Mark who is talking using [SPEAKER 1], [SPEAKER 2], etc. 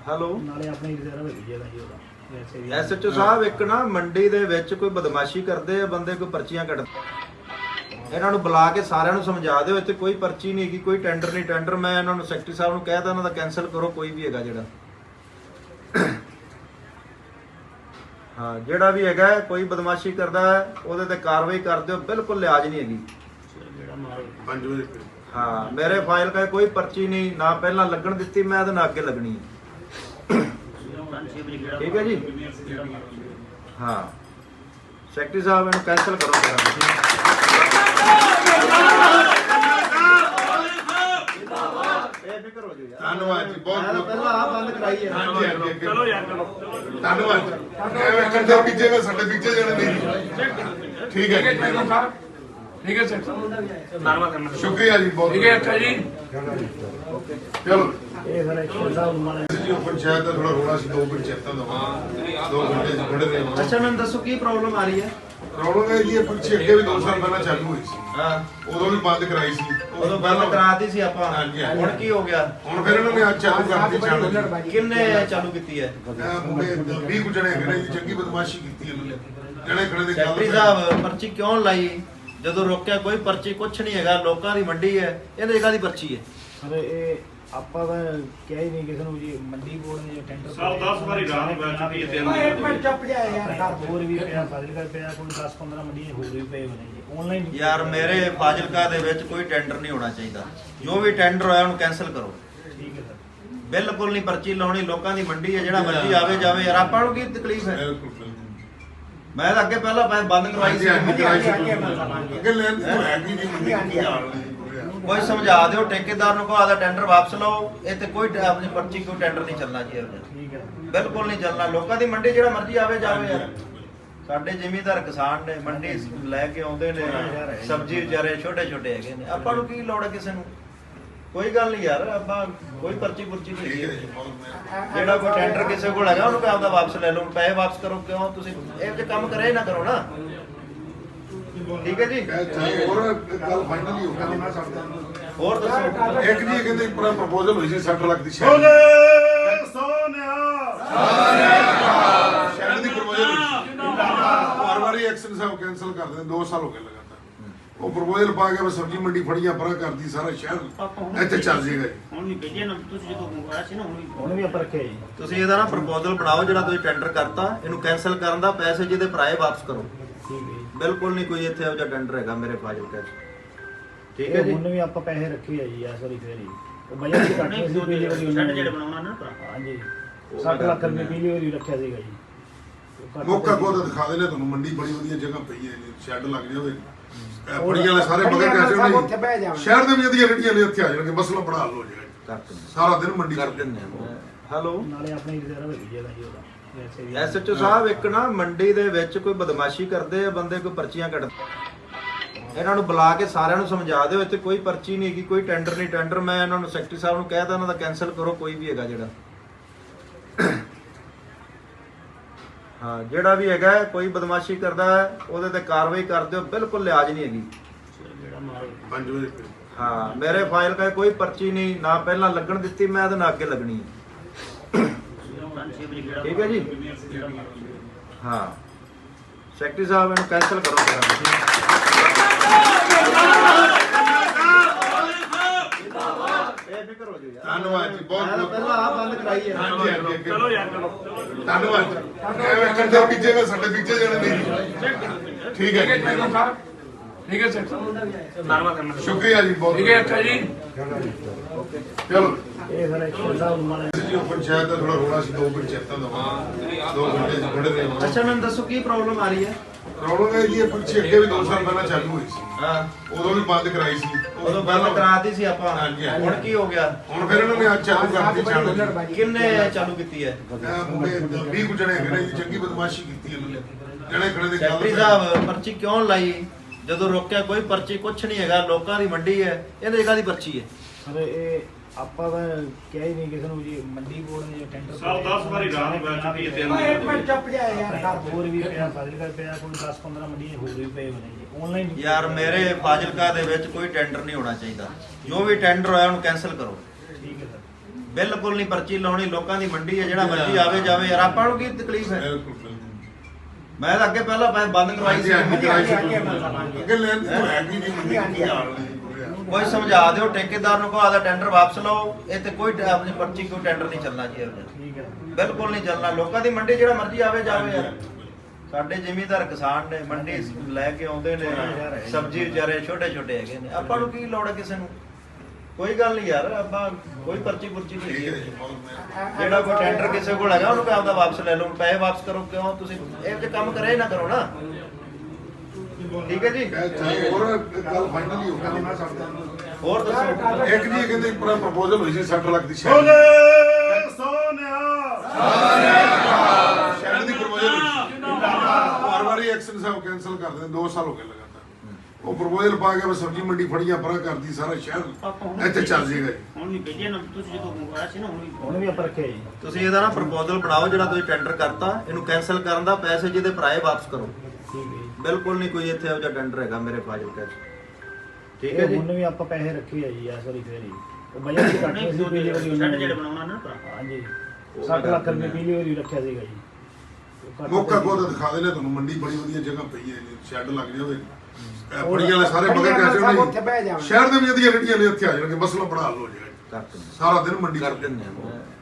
[SPEAKER 1] Hello
[SPEAKER 2] ਨਾਲੇ ਆਪਣੀ reserve ਹੈਗੀ ਜਿਹੜਾ ਜੀ ਉਹਦਾ ਵੈਸੇ ਵੀ
[SPEAKER 1] ਐਸਐਚਓ ਸਾਹਿਬ ਇੱਕ ਨਾ ਮੰਡੀ ਦੇ ਵਿੱਚ ਕੋਈ ਬਦਮਾਸ਼ੀ ਕਰਦੇ ਆ ਬੰਦੇ, ਕੋਈ ਪਰਚੀਆਂ ਕੱਢਦੇ। ਇਹਨਾਂ ਨੂੰ ਬੁਲਾ ਕੇ ਸਾਰਿਆਂ ਨੂੰ ਸਮਝਾ ਦਿਓ ਇੱਥੇ ਕੋਈ ਪਰਚੀ ਨਹੀਂ ਹੈਗੀ, ਕੋਈ ਟੈਂਡਰ ਨਹੀਂ। ਟੈਂਡਰ ਮੈਂ ਇਹਨਾਂ ਨੂੰ ਸੈਕਟਰੀ ਸਾਹਿਬ ਨੂੰ ਕਹਿਤਾ ਇਹਨਾਂ ਦਾ ਕੈਨਸਲ ਕਰੋ, ਕੋਈ ਵੀ ਹੈਗਾ ਜਿਹੜਾ ਹਾਂ ਜਿਹੜਾ ਵੀ ਹੈਗਾ ਕੋਈ ਬਦਮਾਸ਼ੀ ਕਰਦਾ ਹੈ ਉਹਦੇ ਤੇ ਕਾਰਵਾਈ ਕਰ ਦਿਓ, ਬਿਲਕੁਲ ਲਿਆਜ ਨਹੀਂ ਹੈਗੀ।
[SPEAKER 2] ਜਿਹੜਾ ਮਾਲ
[SPEAKER 3] 5 ਵਜੇ
[SPEAKER 1] ਹਾਂ ਮੇਰੇ ਫਾਈਲ ਕਾ ਕੋਈ ਪਰਚੀ ਨਹੀਂ, ਨਾ ਪਹਿਲਾਂ ਲੱਗਣ ਦਿੱਤੀ ਮੈਂ ਇਹਦੇ ਨਾਲ ਅੱਗੇ ਲੱਗਣੀ ਹੈ। ਠੀਕ ਹੈ ਜੀ। ਹਾਂ ਸੈਕਟਰੀ ਸਾਹਿਬ ਇਹਨੂੰ ਕੈਨਸਲ ਕਰੋ ਬੇਫਿਕਰ ਹੋ ਜਾਓ ਯਾਰ।
[SPEAKER 3] ਧੰਨਵਾਦ ਜੀ, ਬਹੁਤ ਬਹੁਤ
[SPEAKER 1] ਪਹਿਲਾਂ ਆ ਬੰਦ ਕਰਾਈ ਹੈ।
[SPEAKER 3] ਹਾਂਜੀ ਹਾਂਜੀ
[SPEAKER 2] ਚਲੋ ਯਾਰ ਚਲੋ
[SPEAKER 3] ਧੰਨਵਾਦ। ਐਵੇਂ ਕਰਦੇ ਪਿੱਛੇ ਨਾ ਸਾਡੇ ਪਿੱਛੇ ਜਾਣੇ ਨਹੀਂ। ਠੀਕ ਹੈ ਜੀ,
[SPEAKER 4] ठीक है सर
[SPEAKER 3] ਸ਼ੁਕਰੀਆ ਜੀ ਬਹੁਤ।
[SPEAKER 4] ठीक है अच्छा जी
[SPEAKER 3] ਚਲੋ
[SPEAKER 2] ਇਹ ਫਿਰ ਐਕਸ਼ਨ ਸਾਹਿਬ ਨੂੰ ਮਾਰੇ
[SPEAKER 3] ਜੀ ਉਹ ਪੰਚਾਇਤ ਦਾ ਥੋੜਾ ਰੋਣਾ ਸੀ, 2 ਪੰਚਾਇਤਾਂ ਦਾ 2 ਘੰਟੇ ਚ ਖੜੇ ਰਹੇ।
[SPEAKER 1] ਅੱਛਾ ਮੈਨੂੰ ਦੱਸੋ ਕੀ ਪ੍ਰੋਬਲਮ ਆ ਰਹੀ ਹੈ?
[SPEAKER 3] ਪ੍ਰੋਬਲਮ ਹੈ ਜੀ ਇਹ ਪਿੱਛੇ ਅੱਗੇ ਵੀ 2 ਸਾਲ ਪਹਿਲਾਂ ਚਾਲੂ ਹੋਈ ਸੀ,
[SPEAKER 1] ਹਾਂ
[SPEAKER 3] ਉਦੋਂ ਵੀ ਬੰਦ ਕਰਾਈ ਸੀ।
[SPEAKER 1] ਉਦੋਂ ਬੰਦ ਕਰਾਤੀ ਸੀ ਆਪਾਂ,
[SPEAKER 3] ਹਾਂਜੀ, ਹਾਂਜੀ।
[SPEAKER 1] ਹੁਣ ਕੀ ਹੋ ਗਿਆ?
[SPEAKER 3] ਹੁਣ ਫਿਰ ਇਹਨਾਂ ਨੇ ਅੱਜ ਚਾਲੂ ਕਰਤੀ ਚਾਲੂ।
[SPEAKER 1] ਕਿੰਨੇ ਚਾਲੂ ਕੀਤੀ ਹੈ?
[SPEAKER 3] ਮੁੰਡੇ 20 ਕੁ ਜਣੇ ਹੈਗੇ ਨੇ ਜੀ, ਚੰਗੀ ਬਦਮਾਸ਼ੀ ਕੀਤੀ ਇਹਨਾਂ ਨੇ। ਜਣੇ ਖੜੇ ਦੇ
[SPEAKER 1] ਸੈਕਟਰੀ ਸਾਹਿਬ ਪਰਚੀ ਕਿਉਂ ਲਾਈ? ਜਦੋਂ ਰੋਕਿਆ ਕੋਈ ਪਰਚੀ ਕੁਛ ਨਹੀਂ ਹੈਗਾ, ਲੋਕਾਂ ਦੀ ਮੰਡੀ ਹੈ, ਇਹਦੇ ਜਗ੍ਹਾ ਦੀ ਪਰਚੀ ਹੈ।
[SPEAKER 2] ਸਰ ਇਹ ਆਪਾਂ ਤਾਂ ਕਿਹਾ ਹੀ ਨਹੀਂ ਕਿਸੇ ਨੂੰ ਜੀ, ਮੰਡੀ ਬੋਰਡ ਨੇ ਟੈਂਡਰ
[SPEAKER 4] ਸਾਲ 10 ਵਾਰੀ ਰਾਤ ਨੂੰ ਬੈਠ ਚੁੱਕੀ ਹੈ ਤਿੰਨ ਦਿਨ।
[SPEAKER 2] ਇੱਕ ਮਿੰਟ ਚੁੱਪ ਜਾ ਯਾਰ। ਹੋਰ ਵੀ ਪਿਆ ਫਾਜ਼ਿਲਕਾ ਪਿਆ, ਕੋਈ 10-15 ਮੰਡੀਆਂ ਹੋਰ ਵੀ ਪਏ ਹੋਣੇ ਜੀ ਆਨਲਾਈਨ।
[SPEAKER 1] ਯਾਰ ਮੇਰੇ ਫਾਜ਼ਿਲਕਾ ਦੇ ਵਿੱਚ ਕੋਈ ਟੈਂਡਰ ਨਹੀਂ ਹੋਣਾ ਚਾਹੀਦਾ, ਜੋ ਵੀ ਟੈਂਡਰ ਹੋਇਆ ਉਹਨੂੰ ਕੈਨਸਲ ਕਰੋ।
[SPEAKER 2] ਠੀਕ ਹੈ ਸਰ।
[SPEAKER 1] ਬਿਲਕੁਲ ਨਹੀਂ ਪਰਚੀ ਲਾਉਣੀ, ਲੋਕਾਂ ਦੀ ਮੰਡੀ ਹੈ, ਜਿਹੜਾ ਮਰਜ਼ੀ ਆਵੇ ਜਾਵੇ ਯਾਰ, ਆਪਾਂ ਨੂੰ ਕੀ ਤਕਲੀਫ ਹੈ? ਮੈਂ ਤਾਂ ਅੱਗੇ ਪਹਿਲਾਂ ਬੰਦ ਕਰਵਾਈ ਸੀ।
[SPEAKER 3] ਅੱਗੇ ਲੈਣ ਦੀ ਹੈ ਨਹੀਂ।
[SPEAKER 1] ਕੋਈ ਸਮਝਾ ਦਿਓ ਠੇਕੇਦਾਰ ਨੂੰ, ਕਹੋ ਆਦਾ ਟੈਂਡਰ ਵਾਪਸ ਲਓ, ਇੱਥੇ ਕੋਈ ਆਪਣੀ ਪਰਚੀ ਕੋਈ ਟੈਂਡਰ ਨਹੀਂ ਚੱਲਣਾ ਜੀ।
[SPEAKER 2] ਠੀਕ ਹੈ
[SPEAKER 1] ਬਿਲਕੁਲ ਨਹੀਂ ਚੱਲਣਾ, ਲੋਕਾਂ ਦੀ ਮੰਡੀ ਜਿਹੜਾ ਮਰਜ਼ੀ ਆਵੇ ਜਾਵੇ ਯਾਰ। ਸਾਡੇ ਜ਼ਿਮੀਂਦਾਰ ਕਿਸਾਨ ਨੇ, ਮੰਡੀ ਲੈ ਕੇ ਆਉਂਦੇ ਨੇ ਸਬਜ਼ੀ, ਵਿਚਾਰੇ ਛੋਟੇ ਛੋਟੇ ਹੈਗੇ ਨੇ, ਆਪਾਂ ਨੂੰ ਕੀ ਲੋੜ ਹੈ ਕਿਸੇ ਨੂੰ? ਕੋਈ ਗੱਲ ਨਹੀਂ ਯਾਰ, ਆਪਾਂ ਕੋਈ ਪਰਚੀ ਪੁਰਚੀ ਨਹੀਂ ਹੈਗੀ। ਜਿਹੜਾ ਕੋਈ ਟੈਂਡਰ ਕਿਸੇ ਕੋਲ ਹੈਗਾ ਉਹਨੂੰ ਆਪਦਾ ਵਾਪਸ ਲੈ ਲਓ, ਪੈਸੇ ਵਾਪਸ ਕਰੋ। ਕਿਉਂ ਤੁਸੀਂ ਇਹ ਜੇ ਕੰਮ ਕਰੇ ਨਾ ਕਰੋ ਨਾ। ਠੀਕ ਹੈ ਜੀ।
[SPEAKER 3] ਹੋਰ ਗੱਲ ਫਾਈਨਲ ਹੀ ਹੋ ਗਈ ਨਾ ਸਾਡਾ।
[SPEAKER 1] ਹੋਰ ਦੱਸੋ।
[SPEAKER 3] ਇੱਕ ਜੀ ਕਹਿੰਦੇ ਪੂਰਾ ਪ੍ਰਪੋਜ਼ਲ ਹੋਈ ਸੀ 60 ਲੱਖ ਦੀ ਸ਼ਹਿਰ ਦੀ ਪ੍ਰਪੋਜ਼ਲ ਹੋਈ ਸੀ। ਹਰ ਵਾਰੀ ਐਕਸ਼ਨ ਸਾਹਿਬ ਕੈਨਸਲ ਕਰ ਦਿੰਦੇ, 2 ਸਾਲ ਹੋ ਗਏ ਲਗਾਤਾਰ। ਉਹ ਪ੍ਰਪੋਜ਼ਲ ਪਾ ਕੇ ਸਬਜ਼ੀ ਮੰਡੀ ਫੜੀਆਂ ਪਰਾਂ ਕਰਦੀ, ਸਾਰਾ ਸ਼ਹਿਰ ਇੱਥੇ ਚੱਲ ਜਾਏਗਾ ਜੀ।
[SPEAKER 2] ਹੁਣ ਵੀ ਭੇਜਿਆ ਨਾ ਤੁਸੀਂ ਜਦੋਂ ਮੰਗਵਾਇਆ ਸੀ ਨਾ, ਹੁਣ ਵੀ ਆਪਾਂ ਰੱਖਿਆ ਜੀ।
[SPEAKER 1] ਤੁਸੀਂ ਇਹਦਾ ਨਾ ਪ੍ਰਪੋਜ਼ਲ ਬਣਾਓ, ਜਿਹੜਾ ਤੁਸੀਂ ਟੈਂਡਰ ਕਰਤਾ ਇਹਨੂੰ ਕੈਨਸਲ ਕਰਨ ਦਾ, ਪੈਸੇ ਜਿਹਦੇ ਭਰਾਏ ਵਾਪਸ ਕਰੋ।
[SPEAKER 2] ਠੀਕ ਹੈ ਜੀ।
[SPEAKER 1] ਬਿਲਕੁਲ ਨਹੀਂ ਕੋਈ ਇੱਥੇ ਇਹੋ ਜਿਹਾ ਟੈਂਡਰ ਹੈਗਾ ਮੇਰੇ ਫਾਜ਼ਿਲਕਾ 'ਚ। ਠੀਕ ਹੈ ਜੀ।
[SPEAKER 2] ਹੁਣ ਵੀ ਆਪਾਂ ਪੈਸੇ ਰੱਖੇ ਆ ਜੀ ਇਸ ਵਾਰੀ ਫੇਰ ਹੀ। ਉਹ ਬਜਟ ਵੀ ਘੱਟ ਸੀ ਪਿਛਲੀ ਵਾਰੀ ਉਹਨਾਂ ਨੇ। ਬਣਾਉਣਾ ਨਾ ਹਾਂਜੀ 60 ਲੱਖ ਰੁਪਏ ਪਿਛਲੀ ਵਾਰੀ ਰੱਖਿਆ ਸੀਗਾ ਜੀ।
[SPEAKER 3] ਮੌਕਾ ਕੋਦ ਦਿਖਾ ਦੇਣੇ ਤੁਹਾਨੂੰ, ਮੰਡੀ ਬੜੀ ਵਧੀਆ ਜਗ੍ਹਾ ਪਈ ਹੈ, ਸ਼ੈੱਡ ਲੱਗ ਜਾਵੇ। ਫੜੀਆਂ ਵਾਲੇ ਸਾਰੇ ਬਗੈਰ ਪੈਸੇ ਨਹੀਂ, ਸ਼ਹਿਰ ਦੇ ਵਿੱਚ ਦੀਆਂ ਰੇੜੀਆਂ ਨੇ ਇੱਥੇ ਆ ਜਾਣਗੇ, ਮਸਲਾ ਬੜਾ ਹੱਲ ਹੋ ਜਾਏਗਾ। ਸਾਰਾ ਦਿਨ ਮੰਡੀ
[SPEAKER 1] ਕਰ
[SPEAKER 3] ਚ
[SPEAKER 1] ਦਿੰਦੇ ਆ। ਹੈਲੋ
[SPEAKER 2] ਨਾਲੇ ਆਪਣੀ ਰਿਜ਼ਰਵ ਹੈਗੀ ਜਿਹੜਾ ਜੀ ਉਹਦਾ ਵੈਸੇ ਵੀ
[SPEAKER 1] ਐਸਐਚਓ ਸਾਹਿਬ ਇੱਕ ਨਾ ਮੰਡੀ ਦੇ ਵਿੱਚ ਕੋਈ ਬਦਮਾਸ਼ੀ ਕਰਦੇ ਆ ਬੰਦੇ, ਕੋਈ ਪਰਚੀਆਂ ਕੱਢਦੇ। ਇਹਨਾਂ ਨੂੰ ਬੁਲਾ ਕੇ ਸਾਰਿਆਂ ਨੂੰ ਸਮਝਾ ਦਿਓ ਇੱਥੇ ਕੋਈ ਪਰਚੀ ਨਹੀਂ ਹੈਗੀ, ਕੋਈ ਟੈਂਡਰ ਨਹੀਂ। ਟੈਂਡਰ ਮੈਂ ਇਹਨਾਂ ਨੂੰ ਸੈਕਟਰੀ ਸਾਹਿਬ ਨੂੰ ਕਹਿਤਾ ਇਹਨਾਂ ਦਾ ਕੈਨਸਲ ਕਰੋ, ਕੋਈ ਵੀ ਹੈਗਾ ਜਿਹੜਾ ਹਾਂ ਜਿਹੜਾ ਵੀ ਹੈਗਾ ਕੋਈ ਬਦਮਾਸ਼ੀ ਕਰਦਾ ਹੈ ਉਹਦੇ ਤੇ ਕਾਰਵਾਈ ਕਰ ਦਿਓ, ਬਿਲਕੁਲ ਲਿਆਜ ਨਹੀਂ ਹੈਗੀ।
[SPEAKER 2] ਜਿਹੜਾ ਮਾਲ
[SPEAKER 3] 5 ਵਜੇ
[SPEAKER 1] ਹਾਂ ਮੇਰੇ ਫਾਈਲ ਕਾ ਕੋਈ ਪਰਚੀ ਨਹੀਂ, ਨਾ ਪਹਿਲਾਂ ਲੱਗਣ ਦਿੱਤੀ ਮੈਂ ਇਹਦੇ ਨਾਲ ਅੱਗੇ ਲੱਗਣੀ ਹੈ। ਠੀਕ ਹੈ ਜੀ। ਹਾਂ ਸੈਕਟਰੀ ਸਾਹਿਬ ਇਹਨੂੰ ਕੈਨਸਲ ਕਰੋ। ਬੇਫਿਕਰ ਹੋ ਜਾਓ ਯਾਰ।
[SPEAKER 3] ਧੰਨਵਾਦ ਜੀ, ਬਹੁਤ ਬਹੁਤ।
[SPEAKER 1] ਪਹਿਲਾਂ ਆ ਬੰਦ ਕਰਾਈ ਹੈ।
[SPEAKER 3] ਹਾਂਜੀ ਹਾਂਜੀ
[SPEAKER 4] चलो यार चलो
[SPEAKER 3] ਧੰਨਵਾਦ। ਐਵੇਂ ਕਰਦੇ ਪਿੱਛੇ ਨਾ ਸਾਡੇ ਪਿੱਛੇ ਜਾਣੇ ਨਹੀਂ। ਠੀਕ ਹੈ ਜੀ,
[SPEAKER 4] ठीक है सर
[SPEAKER 3] ਸ਼ੁਕਰੀਆ ਜੀ ਬਹੁਤ।
[SPEAKER 4] ठीक है अच्छा जी
[SPEAKER 3] ਚਲੋ
[SPEAKER 2] ਇਹ ਫਿਰ ਐਕਸ਼ਨ ਸਾਹਿਬ ਨੂੰ ਮਾਰੇ
[SPEAKER 3] ਜੀ ਉਹ ਪੰਚਾਇਤ ਦਾ ਥੋੜਾ ਰੋਣਾ ਸੀ, 2 ਪੰਚਾਇਤਾਂ ਦਾ 2 ਘੰਟੇ ਚ ਖੜੇ ਰਹੇ।
[SPEAKER 1] ਅੱਛਾ ਮੈਨੂੰ ਦੱਸੋ ਕੀ ਪ੍ਰੋਬਲਮ ਆ ਰਹੀ ਹੈ?
[SPEAKER 3] ਪ੍ਰੋਬਲਮ ਹੈ ਜੀ ਇਹ ਪਿੱਛੇ ਅੱਗੇ ਵੀ 2 ਸਾਲ ਪਹਿਲਾਂ ਚਾਲੂ ਹੋਈ ਸੀ,
[SPEAKER 1] ਹਾਂ
[SPEAKER 3] ਉਦੋਂ ਵੀ ਬੰਦ ਕਰਾਈ ਸੀ।
[SPEAKER 1] ਉਦੋਂ ਬੰਦ ਕਰਾਤੀ ਸੀ ਆਪਾਂ,
[SPEAKER 3] ਹਾਂਜੀ, ਹਾਂਜੀ।
[SPEAKER 1] ਹੁਣ ਕੀ ਹੋ ਗਿਆ?
[SPEAKER 3] ਹੁਣ ਫਿਰ ਇਹਨਾਂ ਨੇ ਅੱਜ ਚਾਲੂ ਕਰਤੀ ਚਾਲੂ।
[SPEAKER 1] ਕਿੰਨੇ ਚਾਲੂ ਕੀਤੀ ਹੈ?
[SPEAKER 3] ਮੁੰਡੇ 20 ਕੁ ਜਣੇ ਹੈਗੇ ਨੇ ਜੀ, ਚੰਗੀ ਬਦਮਾਸ਼ੀ ਕੀਤੀ ਇਹਨਾਂ ਨੇ। ਜਣੇ ਖੜੇ ਦੇ
[SPEAKER 1] ਸੈਕਟਰੀ ਸਾਹਿਬ ਪਰਚੀ ਕਿਉਂ ਲਾਈ? ਜਦੋਂ ਰੋਕਿਆ ਕੋਈ ਪਰਚੀ ਕੁਛ ਨਹੀਂ ਹੈਗਾ, ਲੋਕਾਂ ਦੀ ਮੰਡੀ ਹੈ, ਇਹਦੇ ਜਗ੍ਹਾ ਦੀ ਪਰਚੀ ਹੈ।
[SPEAKER 2] ਸਰ ਇਹ ਆਪਾਂ ਤਾਂ ਕਿਹਾ ਹੀ ਨਹੀਂ ਕਿਸੇ ਨੂੰ ਜੀ, ਮੰਡੀ ਬੋਰਡ ਨੇ ਟੈਂਡਰ
[SPEAKER 4] साल 10 वारी रात ਨੂੰ ਬੈਠ ਚੁੱਕੀ ਹੈ ਤਿੰਨ ਦਿਨ।
[SPEAKER 2] ਚੁੱਪ ਜਾ ਯਾਰ। ਹੋਰ ਵੀ ਪਿਆ ਫਾਜ਼ਿਲਕਾ ਪਿਆ, ਕੋਈ 10-15 ਮੰਡੀਆਂ ਹੋਰ ਵੀ ਪਏ ਹੋਣੇ ਜੀ ਆਨਲਾਈਨ।
[SPEAKER 1] ਯਾਰ ਮੇਰੇ ਫਾਜ਼ਿਲਕਾ ਦੇ ਵਿੱਚ ਕੋਈ ਟੈਂਡਰ ਨਹੀਂ ਹੋਣਾ ਚਾਹੀਦਾ, ਜੋ ਵੀ ਟੈਂਡਰ ਹੋਇਆ ਉਹਨੂੰ ਕੈਨਸਲ ਕਰੋ।
[SPEAKER 2] ਠੀਕ ਹੈ ਸਰ।
[SPEAKER 1] ਬਿਲਕੁਲ ਨਹੀਂ ਪਰਚੀ ਲਾਉਣੀ, ਲੋਕਾਂ ਦੀ ਮੰਡੀ ਹੈ, ਜਿਹੜਾ ਮਰਜ਼ੀ ਆਵੇ ਜਾਵੇ ਯਾਰ, ਆਪਾਂ ਨੂੰ ਕੀ ਤਕਲੀਫ ਹੈ।
[SPEAKER 3] ਬਿਲਕੁਲ ਬਿਲਕੁਲ
[SPEAKER 1] ਮੈਂ ਤਾਂ ਅੱਗੇ ਪਹਿਲਾਂ ਬੰਦ ਕਰਵਾਈ ਸੀ।
[SPEAKER 3] ਅੱਗੇ ਲੈਣ ਤੋਂ ਹੈ ਕੀ ਨਹੀਂ ਮੰਡੀ ਕੀ ਹਾਲ ਨੇ
[SPEAKER 1] ਕੋਈ ਸਮਝਾ ਦਿਓ ਠੇਕੇਦਾਰ ਨੂੰ, ਕੋ ਆਦਾ ਟੈਂਡਰ ਵਾਪਸ ਲਓ, ਇਹ ਤੇ ਕੋਈ ਆਪਣੀ ਪਰਚੀ ਕੋਈ ਟੈਂਡਰ ਨਹੀਂ ਚੱਲਣਾ ਜੀ।
[SPEAKER 2] ਠੀਕ ਹੈ
[SPEAKER 1] ਬਿਲਕੁਲ ਨਹੀਂ ਚੱਲਣਾ, ਲੋਕਾਂ ਦੀ ਮੰਡੀ ਜਿਹੜਾ ਮਰਜ਼ੀ ਆਵੇ ਜਾਵੇ ਯਾਰ। ਸਾਡੇ ਜ਼ਿਮੀਂਦਾਰ ਕਿਸਾਨ ਨੇ, ਮੰਡੀ ਲੈ ਕੇ ਆਉਂਦੇ ਨੇ, ਸਬਜ਼ੀ ਵਿਚਾਰੇ ਛੋਟੇ ਛੋਟੇ ਹੈਗੇ ਨੇ, ਆਪਾਂ ਨੂੰ ਕੀ ਲੋੜ ਹੈ ਕਿਸੇ ਨੂੰ। ਕੋਈ ਗੱਲ ਨਹੀਂ ਯਾਰ, ਆਪਾਂ ਕੋਈ ਪਰਚੀ ਪੁਰਚੀ ਨਹੀਂ
[SPEAKER 3] ਠੀਕ ਹੈ
[SPEAKER 1] ਹੈਗੀ।
[SPEAKER 3] ਜੀ ਬਹੁਤ ਮਿਹਰਬਾਨੀ।
[SPEAKER 1] ਜਿਹੜਾ ਕੋਈ ਟੈਂਡਰ ਕਿਸੇ ਕੋਲ ਹੈਗਾ ਉਹਨੂੰ ਆਪਦਾ ਵਾਪਸ ਲੈ ਲਓ, ਪੈਸੇ ਵਾਪਸ ਕਰੋ। ਕਿਉਂ ਤੁਸੀਂ ਇਹ ਜੇ ਕੰਮ ਕਰੇ ਨਾ ਕਰੋ ਨਾ। ਠੀਕ ਹੈ ਜੀ,
[SPEAKER 3] ਚਾਹੇ ਹੋਰ ਗੱਲ ਫਾਈਨਲੀ ਹੋ ਗਈ ਨਾ ਸਾਡਾ
[SPEAKER 1] ਹੋਰ ਦੱਸੋ।
[SPEAKER 3] ਇੱਕ ਜੀ ਕਹਿੰਦੇ ਪੂਰਾ ਪ੍ਰਪੋਜ਼ਲ ਹੋਈ ਸੀ 60 ਲੱਖ ਦੀ ਸ਼ਹਿਰ ਦੀ ਪ੍ਰਪੋਜ਼ਲ ਹੋਈ ਸੀ। ਹਰ ਵਾਰੀ ਐਕਸ਼ਨ ਸਾਹਿਬ ਕੈਨਸਲ ਕਰ ਦਿੰਦੇ, 2 ਸਾਲ ਹੋ ਗਏ ਲਗਾਤਾਰ। ਉਹ ਪ੍ਰਪੋਜ਼ਲ ਪਾ ਕੇ ਸਬਜ਼ੀ ਮੰਡੀ ਫੜੀਆਂ ਪਰਾਂ ਕਰਦੀ, ਸਾਰਾ ਸ਼ਹਿਰ ਇੱਥੇ ਚੱਲ ਜਾਏਗਾ ਜੀ।
[SPEAKER 2] ਹੁਣ ਨਹੀਂ ਭੇਜੇ ਨਾ ਤੁਸੀਂ ਜਦੋਂ ਮੰਗਵਾਇਆ ਸੀ ਨਾ, ਹੁਣ ਵੀ ਆਪਾਂ ਰੱਖਿਆ ਜੀ।
[SPEAKER 1] ਤੁਸੀਂ ਇਹਦਾ ਨਾ ਪ੍ਰਪੋਜ਼ਲ ਬਣਾਓ, ਜਿਹੜਾ ਤੁਸੀਂ ਟੈਂਡਰ ਕਰਤਾ ਇਹਨੂੰ ਕੈਨਸਲ ਕਰਨ ਦਾ, ਪੈਸੇ ਜਿਹਦੇ ਭਰਾਏ ਵਾਪਸ ਕਰੋ।
[SPEAKER 2] ਠੀਕ ਹੈ ਜੀ।
[SPEAKER 1] ਬਿਲਕੁਲ ਨਹੀਂ ਕੋਈ ਇੱਥੇ ਇਹੋ ਜਿਹਾ ਟੈਂਡਰ ਹੈਗਾ ਮੇਰੇ ਫਾਜ਼ਿਲਕਾ 'ਚ। ਠੀਕ ਹੈ ਜੀ,
[SPEAKER 2] ਹੁਣ ਵੀ ਆਪਾਂ ਪੈਸੇ ਰੱਖੇ ਆ ਜੀ ਇਸ ਵਾਰੀ ਫੇਰ ਹੀ। ਉਹ ਬਜਟ ਦੀ ਘੱਟ ਸੀ ਪਿਛਲੀ ਵਾਰੀ ਉਹਨਾਂ ਨੇ ਜਿਹੜੇ ਬਣਾਉਣਾ ਨਾ ਭਰਾ। ਹਾਂਜੀ 60 ਲੱਖ ਰੁਪਏ ਪਿਛਲੀ ਵਾਰੀ ਰੱਖਿਆ ਸੀਗਾ ਜੀ।
[SPEAKER 3] ਮੌਕਾ ਕੋਦ ਦਿਖਾ ਦੇਣੇ ਤੁਹਾਨੂੰ, ਮੰਡੀ ਬੜੀ ਵਧੀਆ ਜਗ੍ਹਾ ਪਈ ਹੈ ਜੀ, ਸ਼ੈੱਡ ਲੱਗ ਜਾਵੇ। ਫੜੀਆਂ ਵਾਲੇ ਸਾਰੇ ਮਗਰ ਕੈਸੇ ਨਹੀਂ, ਸ਼ਹਿਰ ਦੇ ਵਿੱਚ ਦੀਆਂ ਰੇੜੀਆਂ ਨੇ ਇੱਥੇ ਆ ਜਾਣਗੇ, ਮਸਲਾ ਬੜਾ ਹੱਲ ਹੋ ਜਾਏਗਾ। ਸਾਰਾ ਦਿਨ ਮੰਡੀ
[SPEAKER 1] ਕਰ
[SPEAKER 3] ਚੱਲ
[SPEAKER 1] ਦਿੰਦੇ ਆ।